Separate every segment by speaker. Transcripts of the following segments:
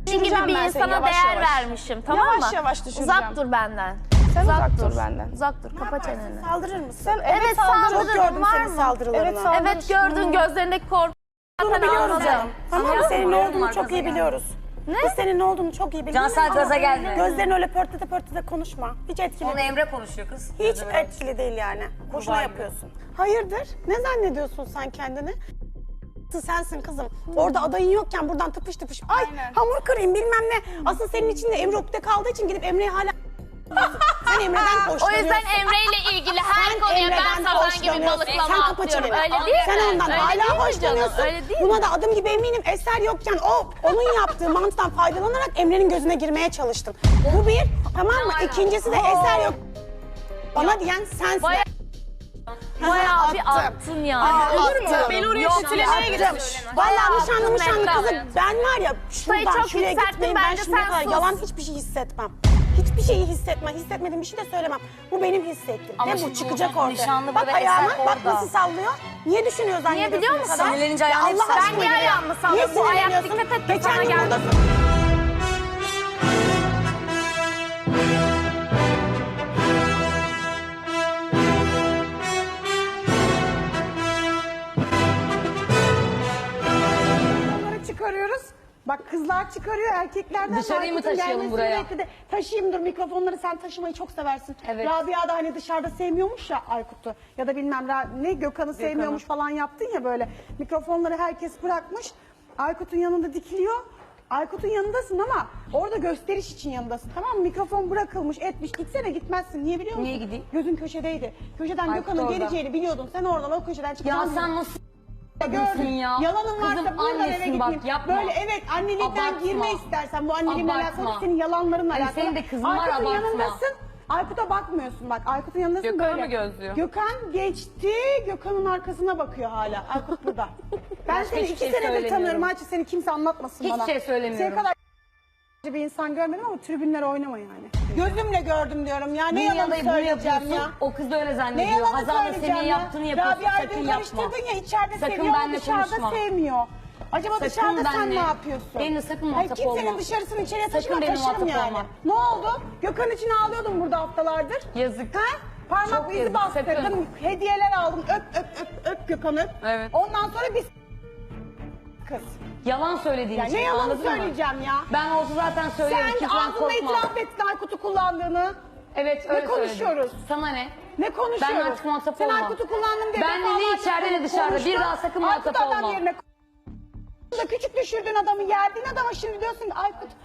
Speaker 1: Senin gibi bir insana değer vermişim, tamam mı?
Speaker 2: Yavaş yavaş düşüreceğim.
Speaker 1: Uzak dur benden.
Speaker 2: Sen uzak dur benden.
Speaker 1: Uzak dur, kapa çeneni.
Speaker 3: Saldırır mısın?
Speaker 2: Sen
Speaker 1: Evet,
Speaker 3: Çok
Speaker 1: saldırırım,
Speaker 3: gördüm
Speaker 1: var
Speaker 3: senin
Speaker 1: mı?
Speaker 3: saldırılarını.
Speaker 2: Evet, saldırırsın.
Speaker 1: Evet, gördün gözlerindeki korku.
Speaker 3: Bunu biliyoruz
Speaker 1: anladım.
Speaker 3: canım. Tamam mı? Senin ne olduğunu çok iyi biliyoruz.
Speaker 1: Ne?
Speaker 3: Biz senin ne olduğunu çok iyi biliyoruz.
Speaker 4: Cansel gaza gelme.
Speaker 3: Gözlerini öyle pörtlete pörtlete konuşma. Hiç etkili
Speaker 4: Onu
Speaker 3: değil.
Speaker 4: Emre konuşuyor kız.
Speaker 3: Hiç etkili değil yani. Boşuna yapıyorsun. Hayırdır? Ne zannediyorsun sen kendini? Sensin kızım. Orada adayın yokken buradan tıpış tıpış. Ay hamur kırayım bilmem ne. Asıl senin için de Emre ukde kaldığı için gidip Emre'yi hala... Sen Emre'den hoşlanıyorsun.
Speaker 1: O yüzden Emre ile ilgili her
Speaker 3: Sen
Speaker 1: konuya
Speaker 3: Emre'den
Speaker 1: ben sazan gibi
Speaker 3: hoşlanıyorsun.
Speaker 1: balıklama
Speaker 3: Sen kapa
Speaker 1: atıyorum.
Speaker 3: çeneni.
Speaker 1: Öyle değil mi?
Speaker 3: Sen ondan
Speaker 1: Öyle değil
Speaker 3: hala
Speaker 1: mi
Speaker 3: hoşlanıyorsun.
Speaker 1: canım? Öyle değil
Speaker 3: Buna
Speaker 1: mi?
Speaker 3: da adım gibi eminim. Eser yokken onun yaptığı mantıdan faydalanarak Emre'nin gözüne girmeye çalıştın. Bu bir, tamam mı? İkincisi de Eser yok. Bana diyen sensin.
Speaker 1: Bayağı bir attın yani.
Speaker 3: Olur mu?
Speaker 2: Beni oraya
Speaker 1: Yok,
Speaker 2: kötülemeye
Speaker 1: attım.
Speaker 2: gitmiş.
Speaker 3: Vallahi nişanlı
Speaker 1: Mehtap.
Speaker 3: kızı ben var ya
Speaker 1: Sayı
Speaker 3: şuradan
Speaker 1: çok
Speaker 3: şuraya
Speaker 1: yükselttin,
Speaker 3: gitmeyin ben
Speaker 1: bence
Speaker 3: şimdiye
Speaker 1: sen
Speaker 3: kadar
Speaker 1: sus.
Speaker 3: yalan hiçbir şey hissetmem. Hiçbir şeyi hissetmem. Hissetmediğim bir şey de söylemem. Bu benim hissettiğim.
Speaker 4: Ama
Speaker 3: Ve bu
Speaker 4: şimdi
Speaker 3: çıkacak
Speaker 4: burada
Speaker 3: ortaya.
Speaker 4: nişanlı
Speaker 3: Bak
Speaker 4: ve
Speaker 3: ayağına
Speaker 4: Eser
Speaker 3: bak
Speaker 4: orada.
Speaker 3: nasıl sallıyor. Niye düşünüyor zannediyorsun
Speaker 1: biliyor
Speaker 3: bu
Speaker 1: musun?
Speaker 3: kadar?
Speaker 4: Sinirlenince
Speaker 3: Ya
Speaker 4: ayağını
Speaker 3: Allah
Speaker 4: hep
Speaker 3: aşkına
Speaker 1: Ben niye
Speaker 3: ya.
Speaker 1: ayağımı sallıyorum?
Speaker 3: Niye
Speaker 1: Bu ayak
Speaker 3: sinirleniyorsun?
Speaker 1: dikkat et de
Speaker 3: Geçen
Speaker 1: sana
Speaker 3: gün
Speaker 1: geldi.
Speaker 3: buradasın. Onları çıkarıyoruz. Bak kızlar çıkarıyor, erkeklerden
Speaker 4: Dışarıyı mı
Speaker 3: Aykut'un
Speaker 4: taşıyalım
Speaker 3: gelmesini
Speaker 4: buraya?
Speaker 3: bekledi. Taşıyayım dur mikrofonları sen taşımayı çok seversin.
Speaker 4: Evet.
Speaker 3: Rabia da hani dışarıda sevmiyormuş ya Aykut'u. Ya da bilmem ne Gökhan'ı sevmiyormuş falan yaptın ya böyle. Mikrofonları herkes bırakmış. Aykut'un yanında dikiliyor. Aykut'un yanındasın ama orada gösteriş için yanındasın tamam mı? Mikrofon bırakılmış etmiş. Gitsene gitmezsin. Niye biliyor musun?
Speaker 4: Niye gideyim?
Speaker 3: Gözün köşedeydi. Köşeden
Speaker 4: Aykut
Speaker 3: Gökhan'ın
Speaker 4: orada.
Speaker 3: geleceğini biliyordun. Sen oradan o köşeden
Speaker 4: Ya
Speaker 3: çıkacaksın.
Speaker 4: sen nasıl
Speaker 3: Gördün
Speaker 4: ya?
Speaker 3: Yalanın varsa
Speaker 4: Kızım,
Speaker 3: buradan eve
Speaker 4: annesin bak,
Speaker 3: gitmeyeyim.
Speaker 4: yapma.
Speaker 3: Böyle evet annelikten
Speaker 4: Abartma.
Speaker 3: girme istersen bu annelikle
Speaker 4: Abartma.
Speaker 3: alakalı senin yalanlarınla
Speaker 4: Hani
Speaker 3: alakalı.
Speaker 4: senin de kızın var,
Speaker 3: Aykut'un
Speaker 4: abartma.
Speaker 3: yanındasın. Aykut'a bakmıyorsun bak. Aykut'un yanındasın
Speaker 2: Gökhan'ı
Speaker 3: böyle.
Speaker 2: mı gözlüyor?
Speaker 3: Gökhan geçti. Gökhan'ın arkasına bakıyor hala. Aykut burada. Ben seni
Speaker 4: hiçbir
Speaker 3: 2
Speaker 4: şey
Speaker 3: senedir
Speaker 4: söylemiyorum.
Speaker 3: tanıyorum. Ayça seni kimse anlatmasın
Speaker 4: Hiçbir
Speaker 3: bana.
Speaker 4: şey söylemiyorum.
Speaker 3: Senin kadar bir insan görmedim ama tribünlere oynama yani. Gözümle gördüm diyorum ya. Ne yalan
Speaker 4: Dünyada bunu
Speaker 3: söyleyeceğim
Speaker 4: yapıyorsun?
Speaker 3: ya.
Speaker 4: O kız da öyle
Speaker 3: Ne
Speaker 4: zannediyor.
Speaker 3: yalan
Speaker 4: Hazal da
Speaker 3: söyleyeceğim
Speaker 4: senin
Speaker 3: ya.
Speaker 4: yaptığını yapıyorsun.
Speaker 3: Rabia'yı
Speaker 4: Sakın
Speaker 3: dün
Speaker 4: yapma.
Speaker 3: karıştırdın ya içeride
Speaker 4: Sakın
Speaker 3: seviyor ama
Speaker 4: benimle
Speaker 3: dışarıda
Speaker 4: konuşma.
Speaker 3: sevmiyor. Acaba
Speaker 4: Sakın
Speaker 3: dışarıda sen
Speaker 4: benimle-
Speaker 3: ne yapıyorsun?
Speaker 4: benimle sakın
Speaker 3: Hayır,
Speaker 4: muhatap
Speaker 3: kimsenin
Speaker 4: olma.
Speaker 3: dışarısını içeriye
Speaker 4: Sakın
Speaker 3: taşıma
Speaker 4: benimle
Speaker 3: taşırım
Speaker 4: muhatap
Speaker 3: yani.
Speaker 4: olma.
Speaker 3: Ne oldu? Gökhan için ağlıyordun burada haftalardır.
Speaker 4: Yazık.
Speaker 3: Ha? Parmak
Speaker 4: Çok
Speaker 3: izi
Speaker 4: yazık,
Speaker 3: bastırdım.
Speaker 4: sakın.
Speaker 3: Hediyeler aldım. Öp Gökhan öp.
Speaker 2: Evet.
Speaker 3: Ondan sonra biz kız.
Speaker 4: Yalan söylediğin
Speaker 3: Ya
Speaker 4: için
Speaker 3: ne yalan
Speaker 4: anladın mı?
Speaker 3: söyleyeceğim ya.
Speaker 4: Ben olsa zaten söylerim.
Speaker 3: Sen
Speaker 4: Kimseden
Speaker 3: ağzında
Speaker 4: korkma.
Speaker 3: itiraf ettin Aykut'u kullandığını.
Speaker 4: Evet
Speaker 3: Ne
Speaker 4: öyle
Speaker 3: konuşuyoruz?
Speaker 4: söyledim. Sana ne?
Speaker 3: Ne konuşuyoruz?
Speaker 4: Ben artık muhatap
Speaker 3: Sen
Speaker 4: olma.
Speaker 3: Aykut'u kullandın diye.
Speaker 4: Ben de ne
Speaker 3: defalarca
Speaker 4: içeride ne dışarıda.
Speaker 3: konuştun.
Speaker 4: Bir daha sakın muhatap
Speaker 3: Aykut adam
Speaker 4: olma.
Speaker 3: yerine da küçük düşürdüğün adamı yerdiğin adama şimdi diyorsun ki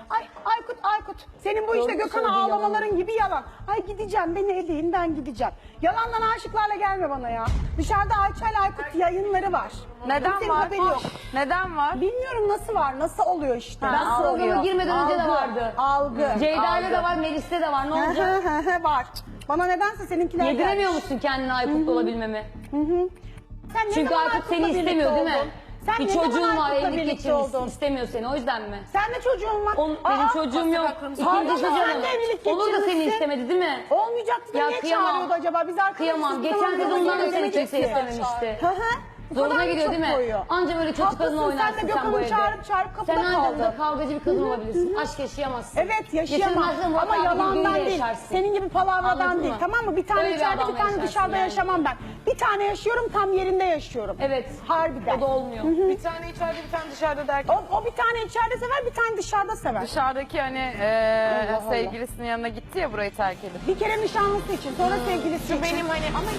Speaker 3: Aykut. Senin bu işte
Speaker 4: Doğru
Speaker 3: Gökhan'a
Speaker 4: söylüyor,
Speaker 3: ağlamaların gibi yalan. Ay gideceğim beni eleyin ben gideceğim. Yalandan aşıklarla gelme bana ya. Dışarıda Ayça ile Aykut yayınları var.
Speaker 2: Neden
Speaker 3: Kimsenin
Speaker 2: var?
Speaker 3: haberi yok.
Speaker 2: Neden var?
Speaker 3: Bilmiyorum nasıl var, nasıl oluyor işte.
Speaker 4: Ben
Speaker 3: Nasıl
Speaker 4: programa
Speaker 3: oluyor?
Speaker 4: girmeden önce de vardı.
Speaker 3: Algı.
Speaker 4: Ceyda'yla da var, Melis'te de var. Ne olacak?
Speaker 3: var. Bana nedense seninkiler
Speaker 4: Yediremiyor
Speaker 3: gelmiş.
Speaker 4: musun kendine Aykut'la olabilmemi?
Speaker 3: Sen ne
Speaker 4: Çünkü
Speaker 3: zaman
Speaker 4: Aykut seni
Speaker 3: Aykut'la
Speaker 4: istemiyor
Speaker 3: birlikte
Speaker 4: değil mi?
Speaker 3: oldun? Sen
Speaker 4: Bir
Speaker 3: ne zaman
Speaker 4: çocuğun var,
Speaker 3: Aykut'la
Speaker 4: evlilik
Speaker 3: birlikte
Speaker 4: geçirmiş,
Speaker 3: oldun?
Speaker 4: istemiyor seni. O yüzden mi?
Speaker 3: Sen de çocuğun var.
Speaker 4: Benim çocuğum yok.
Speaker 3: Pardon,
Speaker 4: İkincisi
Speaker 3: sen
Speaker 4: canım.
Speaker 3: de evlilik
Speaker 4: Onu da seni
Speaker 3: geçirmişsin.
Speaker 4: istemedi değil mi?
Speaker 3: Olmayacaktı da
Speaker 4: Ya
Speaker 3: niye
Speaker 4: kıyamam.
Speaker 3: çağırıyordu acaba? Biz arkadaşız.
Speaker 4: Kıyamam. Geçen sezondan da seni kimse istememişti.
Speaker 3: Hı hı. Bu
Speaker 4: Zoruna
Speaker 3: kadar
Speaker 4: gidiyor
Speaker 3: çok
Speaker 4: değil mi?
Speaker 3: koyuyor.
Speaker 4: Anca böyle kötü
Speaker 3: Haklısın,
Speaker 4: kadın oynarsın
Speaker 3: sen de
Speaker 4: sen bu
Speaker 3: Gökhan'ı
Speaker 4: evde.
Speaker 3: çağırıp kapıda
Speaker 4: Sen ancak
Speaker 3: kaldın.
Speaker 4: burada kavgacı bir kadın olabilirsin. Aşk yaşayamazsın.
Speaker 3: Evet yaşayamam
Speaker 4: Yaşamazsın, Murat
Speaker 3: ama
Speaker 4: abi
Speaker 3: yalandan
Speaker 4: birbiriyle
Speaker 3: değil.
Speaker 4: yaşarsın.
Speaker 3: Senin gibi palavradan
Speaker 4: Anladın
Speaker 3: değil
Speaker 4: mı?
Speaker 3: tamam mı? Bir tane
Speaker 4: Öyle bir
Speaker 3: içeride bir
Speaker 4: adamla
Speaker 3: tane
Speaker 4: yaşarsın
Speaker 3: dışarıda
Speaker 4: yani.
Speaker 3: yaşamam ben. Bir tane yaşıyorum tam yerinde yaşıyorum.
Speaker 4: Evet.
Speaker 3: Harbiden.
Speaker 4: O da olmuyor.
Speaker 2: Bir tane içeride bir tane dışarıda derken.
Speaker 3: O bir tane içeride sever bir tane dışarıda sever.
Speaker 2: Dışarıdaki hani
Speaker 3: Allah.
Speaker 2: sevgilisinin yanına gitti ya burayı terk edip.
Speaker 3: Bir kere nişanlısı için sonra sevgilisi için.
Speaker 2: Benim hani ama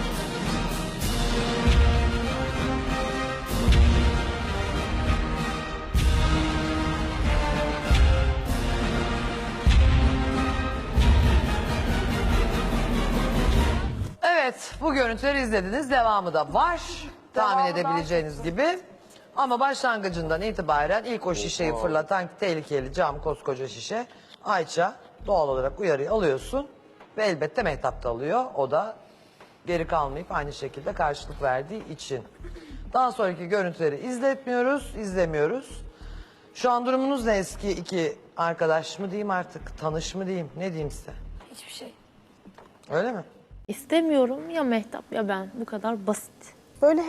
Speaker 5: Evet, bu görüntüleri izlediniz. Devamı da var. Tahmin edebileceğiniz gibi. Ama başlangıcından itibaren ilk o şişeyi fırlatan tehlikeli cam koskoca şişe. Ayça doğal olarak uyarıyı alıyorsun. Ve elbette Mehtap da alıyor. O da geri kalmayıp aynı şekilde karşılık verdiği için. Daha sonraki görüntüleri izlemiyoruz. Şu an durumunuz ne eski iki arkadaş mı diyeyim artık, tanış mı diyeyim, ne diyeyim size?
Speaker 4: Hiçbir şey.
Speaker 5: Öyle mi?
Speaker 1: İstemiyorum ya Mehtap ya ben. Bu kadar basit.
Speaker 3: Böyle hep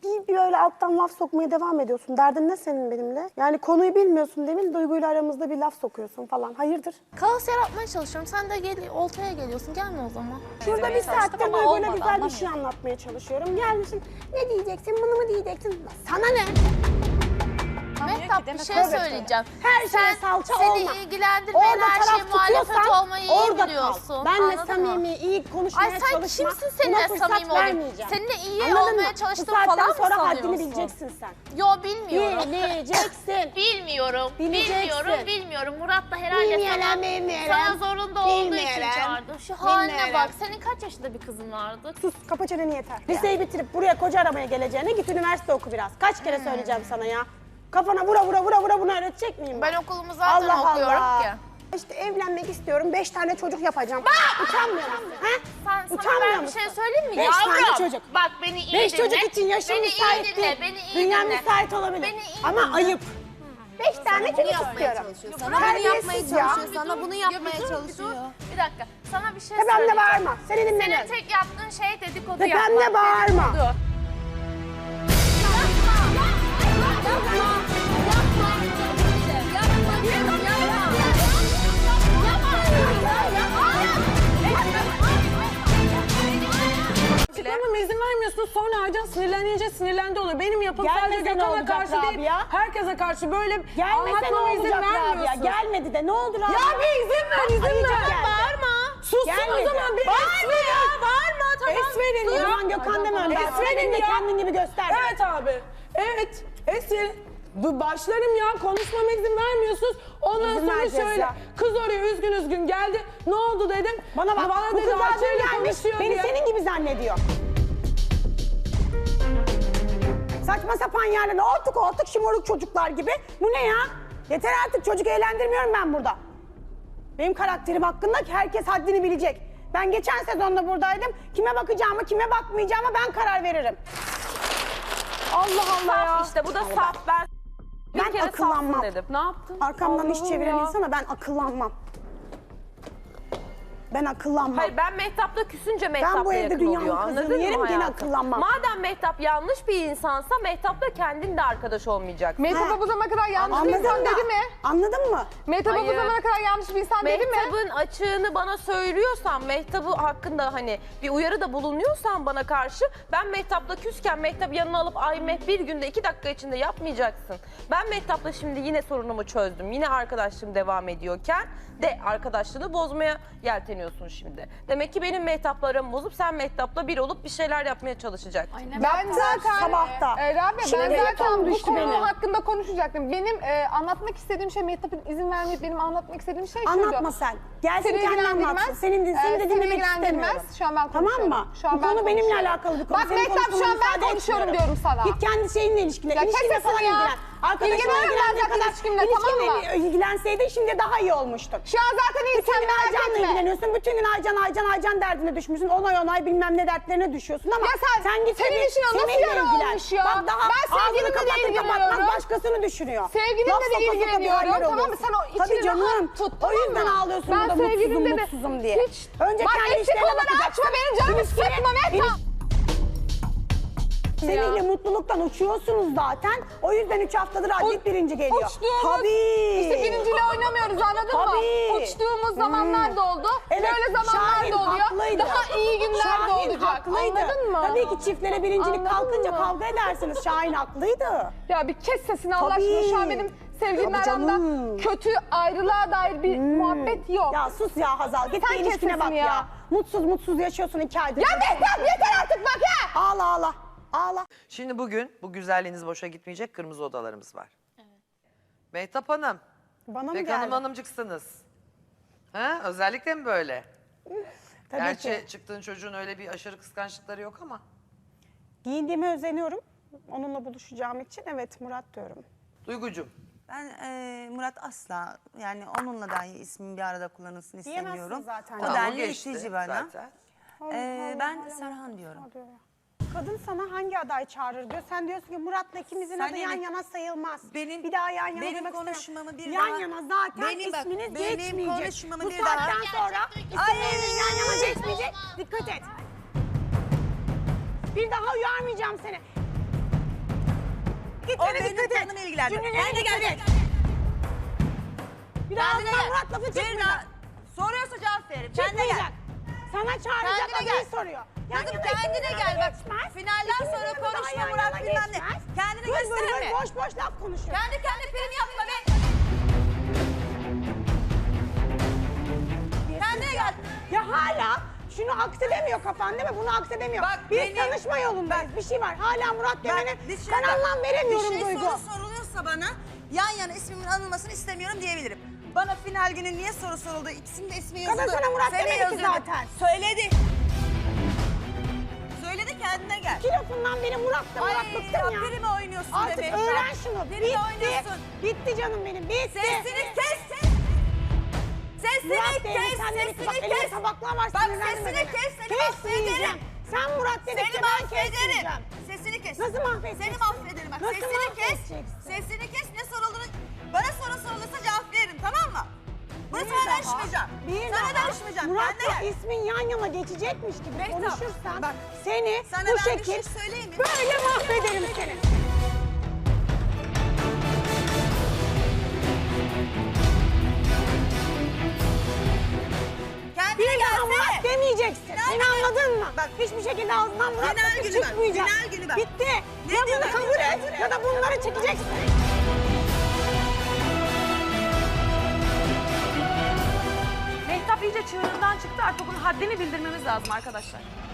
Speaker 6: bir böyle alttan laf sokmaya devam ediyorsun. Derdin ne senin benimle? Yani konuyu bilmiyorsun demin, Duygu'yla aramızda bir laf sokuyorsun falan. Hayırdır?
Speaker 1: Kaos yaratmaya çalışıyorum. Sen de oltaya geliyorsun. Gelme o zaman.
Speaker 6: Şurada bir saattir Duygu'yla güzel bir şey anlatmaya çalışıyorum. Gelmişsin, ne diyeceksin, bunu mu diyeceksin? Sana ne?
Speaker 1: Mehtap bir şey
Speaker 6: Tabii,
Speaker 1: söyleyeceğim.
Speaker 6: Her şeye salça
Speaker 1: seni
Speaker 6: olma.
Speaker 1: ilgilendirmeyen
Speaker 6: Orada
Speaker 1: her şeye
Speaker 6: taraf
Speaker 1: muhalefet
Speaker 6: tutuyorsan
Speaker 1: olmayı iyi
Speaker 6: orada
Speaker 1: biliyorsun.
Speaker 6: kal. Benle
Speaker 1: Anladın mı?
Speaker 6: samimi, iyi konuşmaya
Speaker 1: Ay sen
Speaker 6: çalışma.
Speaker 1: kimsin
Speaker 6: Buna
Speaker 1: seninle
Speaker 6: fırsat
Speaker 1: samimi olayım?
Speaker 6: vermeyeceğim.
Speaker 1: Seninle iyi
Speaker 6: Anladın
Speaker 1: olmaya
Speaker 6: mı?
Speaker 1: çalıştım
Speaker 6: Bu saatten
Speaker 1: falan mı
Speaker 6: sonra haddini
Speaker 1: sanıyorsun?
Speaker 6: bileceksin sen.
Speaker 1: Yo bilmiyorum.
Speaker 6: Bileceksin.
Speaker 1: Bilmiyorum.
Speaker 6: Bileceksin.
Speaker 1: Bilmiyorum. Murat da herhalde
Speaker 6: Bilmiyorum.
Speaker 1: sana zorunda olduğu için
Speaker 6: Bilmiyorum.
Speaker 1: çağırdı. Şu haline
Speaker 6: Bilmiyorum.
Speaker 1: bak. Senin kaç yaşında bir kızın vardı?
Speaker 6: Sus, kapa çeneni yeter. Liseyi bitirip buraya koca aramaya geleceğine git üniversite oku biraz. Kaç kere söyleyeceğim sana ya. Kafana vura bunu öğretecek miyim
Speaker 1: Ben okulumu zaten okuyorum ki.
Speaker 6: İşte evlenmek istiyorum, 5 tane çocuk yapacağım. Utanmıyor musun? He?
Speaker 1: Sana
Speaker 6: Utanmıyor
Speaker 1: ben bir
Speaker 6: musun?
Speaker 1: şey söyleyeyim mi?
Speaker 6: 5 tane
Speaker 1: Yavrum,
Speaker 6: çocuk.
Speaker 1: Bak beni iyi
Speaker 6: 5
Speaker 1: dinle.
Speaker 6: çocuk için yaşım
Speaker 1: Beni
Speaker 6: müsait
Speaker 1: iyi dinle.
Speaker 6: değil.
Speaker 1: Beni iyi
Speaker 6: Dünya
Speaker 1: dinle.
Speaker 6: müsait olabilir.
Speaker 1: Beni iyi
Speaker 6: Ama
Speaker 1: dinle.
Speaker 6: ayıp. 5 tane çocuk istiyorum.
Speaker 7: Sana bunu yapmaya
Speaker 6: Terbiyesiz ya.
Speaker 7: çalışıyor. Sana bunu yapmaya çalışıyor.
Speaker 1: Bir dakika. Sana bir şey
Speaker 6: Tepemde
Speaker 1: söyleyeceğim.
Speaker 6: bağırma. Seni
Speaker 1: Senin
Speaker 6: dinlemiyorum.
Speaker 1: tek yaptığın şey dedikodu
Speaker 6: Tepemde
Speaker 1: yapmak.
Speaker 6: bağırma.
Speaker 1: Dedikodu.
Speaker 8: Açıklamama izin vermiyorsun, sonra Aycan sinirlendi oluyor. Benim yapım sadece
Speaker 6: Gelmese ne
Speaker 8: Gökhan'a
Speaker 6: olacak
Speaker 8: karşı değil,
Speaker 6: Rabia?
Speaker 8: herkese karşı böyle
Speaker 6: Gelmese ne
Speaker 8: anlatmama izin
Speaker 6: olacak Rabia?
Speaker 8: vermiyorsun.
Speaker 6: Gelmedi de ne oldu Rabia?
Speaker 8: Ya bir izin ver, izin
Speaker 6: Ayıcık
Speaker 8: ver.
Speaker 6: geldi.
Speaker 8: Bağırma. Sussun
Speaker 6: Gelmedi.
Speaker 8: o zaman bir es verin. Bağırma tamam. Es verin
Speaker 6: O
Speaker 8: ya.
Speaker 6: zaman Gökhan deme önden.
Speaker 8: Es verin
Speaker 6: de
Speaker 8: ya.
Speaker 6: kendin gibi göster.
Speaker 8: Evet abi. Evet. Es verin. Başlarım ya, konuşmama izin vermiyorsunuz. Ondan
Speaker 6: İzin
Speaker 8: sonra
Speaker 6: vereceğiz
Speaker 8: şöyle,
Speaker 6: ya.
Speaker 8: kız oraya üzgün geldi. Ne oldu dedim.
Speaker 6: Bana bak, bu
Speaker 8: dedi,
Speaker 6: kız zaten
Speaker 8: Ayşe'yle
Speaker 6: gelmiş,
Speaker 8: konuşuyor
Speaker 6: beni
Speaker 8: diye.
Speaker 6: senin gibi zannediyor. Saçma sapan yerlere ortuk şımarık çocuklar gibi. Bu ne ya? Yeter artık, çocuk eğlendirmiyorum ben burada. Benim karakterim hakkında herkes haddini bilecek. Ben geçen sezonda buradaydım. Kime bakacağımı, kime bakmayacağımı ben karar veririm. Allah Allah ya.
Speaker 2: İşte bu da saf. Ben
Speaker 6: Ben akıllanmam.
Speaker 2: dedim. Ne yaptın?
Speaker 6: Arkamdan iş
Speaker 8: Allah'ım
Speaker 6: çeviren
Speaker 8: ya.
Speaker 6: insana ben akıllanmam. Ben akıllanmam.
Speaker 2: Hayır ben Mehtap'la küsünce Mehtap'la
Speaker 6: bu evde
Speaker 2: yakın
Speaker 6: dünyanın
Speaker 2: oluyor.
Speaker 6: kızını
Speaker 2: Anladın mı
Speaker 6: yerim, gene
Speaker 2: hayatım?
Speaker 6: akıllanmam.
Speaker 2: Madem Mehtap yanlış bir insansa Mehtap'la kendin de arkadaş olmayacaksın.
Speaker 6: Ha.
Speaker 7: bu zamana kadar yanlış bir
Speaker 6: Anladın
Speaker 7: insan
Speaker 6: mı?
Speaker 7: dedi mi?
Speaker 6: Anladın mı?
Speaker 7: Mehtap'a bu
Speaker 2: Hayır.
Speaker 7: zamana kadar yanlış bir insan dedi mi?
Speaker 2: Mehtap'ın açığını bana söylüyorsan, Mehtap'ı hakkında hani bir uyarıda bulunuyorsan bana karşı, ben Mehtap'la küsken Mehtap yanına alıp ay bir günde 2 dakika içinde yapmayacaksın. Ben Mehtap'la şimdi yine sorunumu çözdüm. Yine arkadaşlığım devam ediyorken de arkadaşlığını bozmaya yelteniyorsun şimdi. Demek ki benim Mehtap'la aramı bozup sen Mehtap'la bir olup bir şeyler yapmaya çalışacaksın.
Speaker 7: Ben zaten
Speaker 6: sabahta.
Speaker 7: Rabia
Speaker 6: Şimdi
Speaker 7: ben zaten
Speaker 6: yatağım
Speaker 7: bu
Speaker 6: düştü
Speaker 7: konu
Speaker 6: benim.
Speaker 7: hakkında konuşacaktım. Benim anlatmak istediğim şey Mehtap'ın izin vermeyip benim anlatmak istediğim şey şuydu.
Speaker 6: Anlatma sen. Gelsin
Speaker 7: Seni
Speaker 6: kendi
Speaker 7: ilgilendirmez.
Speaker 6: anlatsın. Senin de
Speaker 7: Seni
Speaker 6: dinlemek
Speaker 7: ilgilendirmez.
Speaker 6: istemiyorum.
Speaker 7: Şu an ben
Speaker 6: Tamam
Speaker 7: konuşuyorum.
Speaker 6: mı?
Speaker 7: Şu an
Speaker 6: Bu
Speaker 7: ben
Speaker 6: konu benimle
Speaker 7: konuşuyorum.
Speaker 6: alakalı bir konu.
Speaker 7: Bak
Speaker 6: Senin
Speaker 7: Mehtap şu an
Speaker 6: konuşmana
Speaker 7: ben
Speaker 6: müsaade
Speaker 7: konuşuyorum
Speaker 6: etmiyorum.
Speaker 7: diyorum sana.
Speaker 6: Git kendi şeyinle ilişkine.
Speaker 7: Ya kes
Speaker 6: İlişkinle
Speaker 7: sesini
Speaker 6: falan
Speaker 7: ya.
Speaker 6: ilgilen. Arkadaşına
Speaker 7: İlgileniyorum ben
Speaker 6: ilgilendiğin
Speaker 7: zaten
Speaker 6: kadar
Speaker 7: ilişkimle, tamam mı?
Speaker 6: ilgilenseydin şimdi daha iyi olmuştun.
Speaker 7: Şu an zaten iyi
Speaker 6: Bütün
Speaker 7: sen
Speaker 6: gün
Speaker 7: merak
Speaker 6: Aycan'la
Speaker 7: etme.
Speaker 6: ilgileniyorsun. Bütün gün Aycan derdine düşmüşsün. Onay bilmem ne dertlerine düşüyorsun ama
Speaker 7: Ya sen
Speaker 6: git
Speaker 7: senin
Speaker 6: bir
Speaker 7: işin nasıl
Speaker 6: seninle
Speaker 7: yara
Speaker 6: ilgilen.
Speaker 7: olmuş ya?
Speaker 6: Bak daha
Speaker 7: Ben sevgilimle
Speaker 6: ağzını
Speaker 7: de
Speaker 6: kapatır kapatmaz
Speaker 7: ilgileniyorum.
Speaker 6: başkasını düşünüyor.
Speaker 7: Sevgilimle
Speaker 6: Laf
Speaker 7: de
Speaker 6: soka soka bir
Speaker 7: ilgileniyorum,
Speaker 6: haller
Speaker 7: tamam mı?
Speaker 6: oluyorsun.
Speaker 7: Sen o içini
Speaker 6: Tabii canım.
Speaker 7: rahat tut,
Speaker 6: O
Speaker 7: tamam
Speaker 6: yüzden
Speaker 7: mı?
Speaker 6: ağlıyorsun
Speaker 7: Ben
Speaker 6: burada
Speaker 7: sevgilimle de
Speaker 6: mutsuzum diye.
Speaker 7: hiç-
Speaker 6: Önce
Speaker 7: Bak
Speaker 6: kendi
Speaker 7: eksik
Speaker 6: işlerine
Speaker 7: onları
Speaker 6: bakacaksın.
Speaker 7: açma, benim canımı sıkma Mehtap.
Speaker 6: Seninle mutluluktan uçuyorsunuz zaten. O yüzden 3 haftadır Adil birinci geliyor. Tabii.
Speaker 7: İşte birinciyle oynamıyoruz anladın mı?
Speaker 6: Tabii.
Speaker 7: Uçtuğumuz zamanlar da oldu.
Speaker 6: Evet,
Speaker 7: Böyle zamanlar
Speaker 6: Şahin
Speaker 7: da oluyor.
Speaker 6: haklıydı.
Speaker 7: Daha iyi günler de
Speaker 6: Şahin
Speaker 7: olacak.
Speaker 6: haklıydı.
Speaker 7: Anladın mı?
Speaker 6: Tabii ki çiftlere birincilik
Speaker 7: Anladın
Speaker 6: kalkınca
Speaker 7: mı?
Speaker 6: kavga edersiniz. Şahin haklıydı.
Speaker 7: Ya bir kes sesini Allah
Speaker 6: Tabii.
Speaker 7: aşkına. Şu an benim sevgilimle
Speaker 6: Tabii
Speaker 7: aramda
Speaker 6: canım.
Speaker 7: kötü ayrılığa dair bir muhabbet yok.
Speaker 6: Ya sus ya Hazal. Git
Speaker 7: Sen
Speaker 6: bir
Speaker 7: kes
Speaker 6: ilişkine bak
Speaker 7: sesini
Speaker 6: ya.
Speaker 7: ya.
Speaker 6: Mutsuz yaşıyorsun 2 aydır.
Speaker 7: Ya Mehtap yeter artık bak ya.
Speaker 6: Ağla.
Speaker 5: Şimdi bugün bu güzelliğiniz boşa gitmeyecek, kırmızı odalarımız var. Mehtap Hanım,
Speaker 6: Bana mı
Speaker 5: Pek
Speaker 6: geldi?
Speaker 5: Hanım hanımcıksınız. Ha? Özellikle mi böyle?
Speaker 6: Tabii
Speaker 5: Gerçi
Speaker 6: ki.
Speaker 5: çıktığın çocuğun öyle bir aşırı kıskançlıkları yok ama.
Speaker 6: Giyindiğime özeniyorum. Onunla buluşacağım için evet Murat diyorum.
Speaker 5: Duygucuğum.
Speaker 9: Ben Murat asla yani onunla dahi ismim bir arada kullanılsın
Speaker 6: Diyemezsin
Speaker 9: istemiyorum.
Speaker 6: zaten.
Speaker 9: O
Speaker 6: Tamam,
Speaker 9: denli
Speaker 5: geçti
Speaker 9: itici bana.
Speaker 5: zaten.
Speaker 9: Ben Serhan diyorum.
Speaker 6: Kadın sana hangi aday çağırır diyor. Sen diyorsun ki Murat'la ikimizin
Speaker 9: Sen
Speaker 6: adı yan
Speaker 9: evet.
Speaker 6: yana sayılmaz.
Speaker 9: Benim-
Speaker 6: bir daha yan yana
Speaker 9: benim
Speaker 6: demek
Speaker 9: konuşmamı
Speaker 6: istemem.
Speaker 9: bir
Speaker 6: yan
Speaker 9: daha-
Speaker 6: yana zaten
Speaker 9: Benim bak,
Speaker 6: isminiz
Speaker 9: benim
Speaker 6: geçmeyecek.
Speaker 9: konuşmamı
Speaker 6: Bu
Speaker 9: bir daha-
Speaker 6: saatten sonra isimleriniz yan yana geçmeyecek. Dikkat et. Bir daha uyarmayacağım seni. hareketlere
Speaker 9: O benim
Speaker 6: dikkat et.
Speaker 9: canımı ilgilendirmez.
Speaker 6: Cümlelerine
Speaker 9: Kendine
Speaker 6: dikkat
Speaker 9: gel.
Speaker 6: et. Bir daha
Speaker 9: Kendine
Speaker 6: ağzından
Speaker 9: gel.
Speaker 6: Murat lafı
Speaker 9: Bir
Speaker 6: çıkmayacak.
Speaker 9: daha soruyorsa cevap veririm. Kendine gel.
Speaker 6: Çıkmayacak. Sana çağıracak
Speaker 9: Kendine
Speaker 6: adayı
Speaker 9: gel.
Speaker 6: soruyor.
Speaker 9: Kızım
Speaker 6: yana
Speaker 9: kendine
Speaker 6: ikimizin
Speaker 9: gel
Speaker 6: adı
Speaker 9: bak.
Speaker 6: geçmez.
Speaker 9: Finalden
Speaker 6: İkimizin
Speaker 9: sonra
Speaker 6: adı da
Speaker 9: konuşma
Speaker 6: yan
Speaker 9: Murat
Speaker 6: yana
Speaker 9: bilmem ne.
Speaker 6: geçmez.
Speaker 9: Kendini
Speaker 6: Bır bır
Speaker 9: gösterme.
Speaker 6: bır boş boş laf konuşuyor.
Speaker 9: Kendi prim yapma be. Kendine gel.
Speaker 6: Ya hala şunu aksedemiyor kafan değil mi? Bunu aksedemiyor.
Speaker 9: Bak,
Speaker 6: Biz
Speaker 9: benim-
Speaker 6: tanışma yolundayız. Bir şey var. Hala Murat Demir'e
Speaker 9: dışarıda
Speaker 6: kanaldan veremiyorum
Speaker 9: bir şey
Speaker 6: Duygu.
Speaker 9: soru soruluyorsa bana yan yana ismimin anılmasını istemiyorum diyebilirim. Bana final günü niye soru soruldu? İkisinin de ismi yazıldı.
Speaker 6: Kadın sana Murat
Speaker 9: Seni
Speaker 6: demedi ki
Speaker 9: yazıldı.
Speaker 6: zaten.
Speaker 9: Söyledi. Söyledi kendine gel.
Speaker 6: İki lafından beri Murat da Murat bıktım ya.
Speaker 9: Primi oynuyorsun
Speaker 6: Artık
Speaker 9: demek.
Speaker 6: öğren şunu.
Speaker 9: Primi
Speaker 6: Bitti.
Speaker 9: oynuyorsun.
Speaker 6: Bitti canım benim. Bitti.
Speaker 9: Sesini kes. Sesini
Speaker 6: Murat Bey'in
Speaker 9: kes.
Speaker 6: sen dedi ki bak
Speaker 9: Sesini
Speaker 6: elinde
Speaker 9: kes.
Speaker 6: tabaklar var.
Speaker 9: Bak
Speaker 6: sinirlendirme
Speaker 9: sesini
Speaker 6: beni.
Speaker 9: kes. Seni
Speaker 6: Kesmeyeceğim.
Speaker 9: mahvederim.
Speaker 6: Sen Murat dedikçe
Speaker 9: Seni
Speaker 6: ben
Speaker 9: mahvederim.
Speaker 6: kesmeyeceğim.
Speaker 9: Sesini kes.
Speaker 6: Nasıl mahvedeceksin?
Speaker 9: Seni mahvederim bak.
Speaker 6: Nasıl
Speaker 9: Sesini kes.
Speaker 6: mahvedeceksin?
Speaker 9: Sesini kes. Ne sorulduğunu bana soru sorulursa cevap veririm tamam mı? Bunu sana danışmayacağım. Sana danışmayacağım.
Speaker 6: Murat'la
Speaker 9: Kendine gel.
Speaker 6: ismin yan yana geçecekmiş gibi
Speaker 9: Mehtap,
Speaker 6: konuşursan
Speaker 9: bak,
Speaker 6: seni
Speaker 9: sana
Speaker 6: bu
Speaker 9: ben bir
Speaker 6: şekil
Speaker 9: şey söyleyeyim mi?
Speaker 6: böyle mahvederim seni.
Speaker 9: Kendine
Speaker 6: Bir daha
Speaker 9: gelsene.
Speaker 6: Murat demeyeceksin.
Speaker 9: Final
Speaker 6: Beni
Speaker 9: günü.
Speaker 6: anladın mı?
Speaker 9: Bak.
Speaker 6: Hiçbir şekilde ağzından Murat
Speaker 9: Final
Speaker 6: lafı
Speaker 9: günü bak,
Speaker 6: çıkmayacak.
Speaker 9: final günü bak.
Speaker 6: Bitti.
Speaker 9: Ne
Speaker 6: Ya bunu
Speaker 9: diyor?
Speaker 6: kabul et ya da bunları çekeceksin.
Speaker 10: Mehtap iyice çığırından çıktı, artık bunun haddini bildirmemiz lazım arkadaşlar.